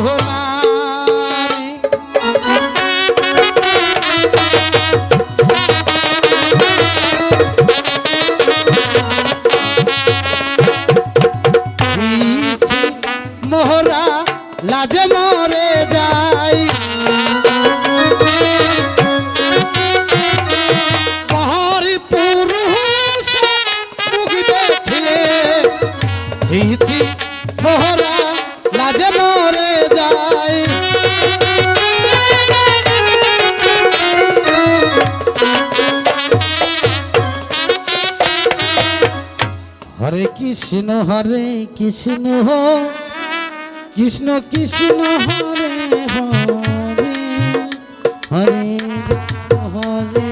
মোহরা লাজে মরে যাই মহরি পুরুষ মুখ দেখিলে ঝিঝি মোহরা লাজে মরে যাই হরে কৃষ্ণ কৃষ্ণ কৃষ্ণ হরে হরে হরে হরে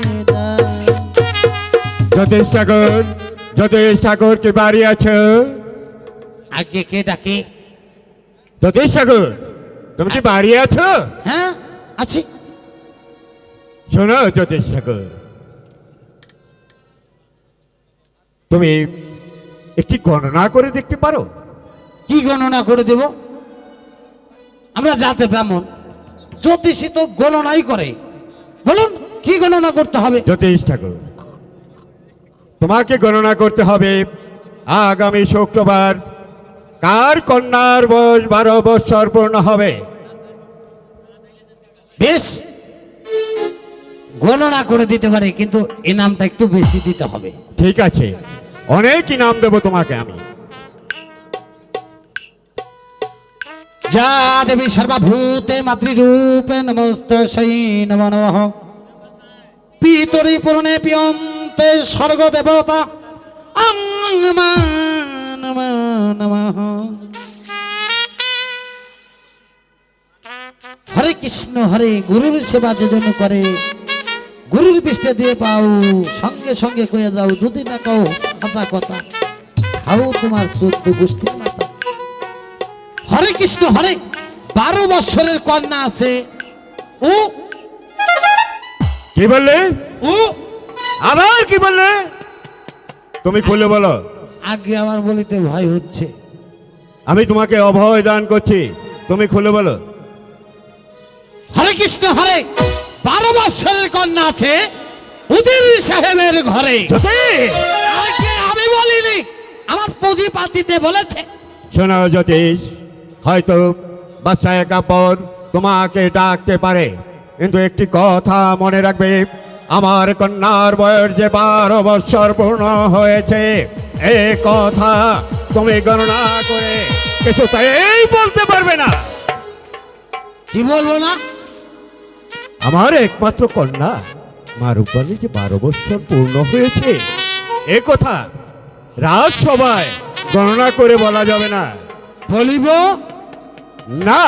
যতীশ ঠাকুর কি বাড়ি আছে? আগে কে ডাকে? যতীশ ঠাকুর তুমি কি বাড়ি আছো? হ্যাঁ আছি। শোনো যতীশ ঠাকুর, তুমি একটি গণনা করে দেখতে পারো? কি গণনা করে দেব? আমরা জাতে ব্রাহ্মণ, জ্যোতিষী তো গণনাই করে। বলুন কি গণনা করতে হবে? যতীশ ঠাকুর, তোমাকে গণনা করতে হবে আগামী শুক্রবার কার কন্যার বয়স 12 বৎসর পূর্ণ হবে। বেশ, গণনা করে দিতে পারে, কিন্তু ইনামটা একটু বেশি দিতে হবে। ঠিক আছে, অনেক ইনাম দেবো তোমাকে আমি। যা দেবী সর্বভূতে মাতৃরূপে নমস্তস্যৈ নমো নমঃ পিতরি পূর্ণে পিয়ন্তে স্বর্গ দেবতা নমো নমঃ। হরে কৃষ্ণ হরে, গুরুর সেবা যেজন করে গুরুর পৃষ্ঠে দিয়ে পাও, সঙ্গে সঙ্গে কয়ে যাও যদি না কও কথা কথা খাও তোমার 14 গোষ্ঠীর মাতা। হরে কৃষ্ণ হরে, 12 বৎসরের কন্যা আছে। ও কি বললে? ও আবার কি বললে? তুমি খুলে বলো। আগে আমার বলিতে ভয় হচ্ছে। আমি তোমাকে অভয় দান করছি, তুমি খুলে বলো। হরে কৃষ্ণ হরে, 12 বৎসরের কন্যা আছে উদির সাহেবের ঘরে। আগে আমি বলিনি, আমার পুঁজি পাতিতে বলেছে। শোনো জ্যোতিষ, হয়তো বাচ্চায় কাপড় তোমাকে ডাকতে পারে, কিন্তু একটি কথা মনে রাখবে, আমার কন্যার বয়স যে 12 বৎসর পূর্ণ হয়েছে, এই কথা তুমি গণনা করে কিছুতেই বলতে পারবে না। কি বলবো না? আমার একমাত্র কন্যা মা রূপালী যে 12 বৎসর পূর্ণ হয়েছে, এ কথা রাজসভায় গণনা করে বলা যাবে না। বলিব না,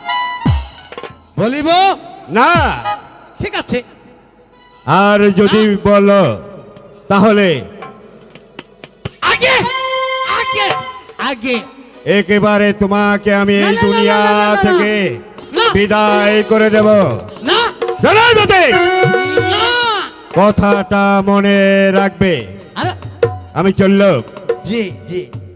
বলিব না। ঠিক আছে। আর যদি বলো তাহলে আগে আগে আগে একেবারে তোমাকে আমি এই না, দুনিয়া না, না, না, না, থেকে না। বিদায় করে দেব। না জানো যদি না। কথাটা মনে রাখবে। আরে আমি চললাম। জি জি।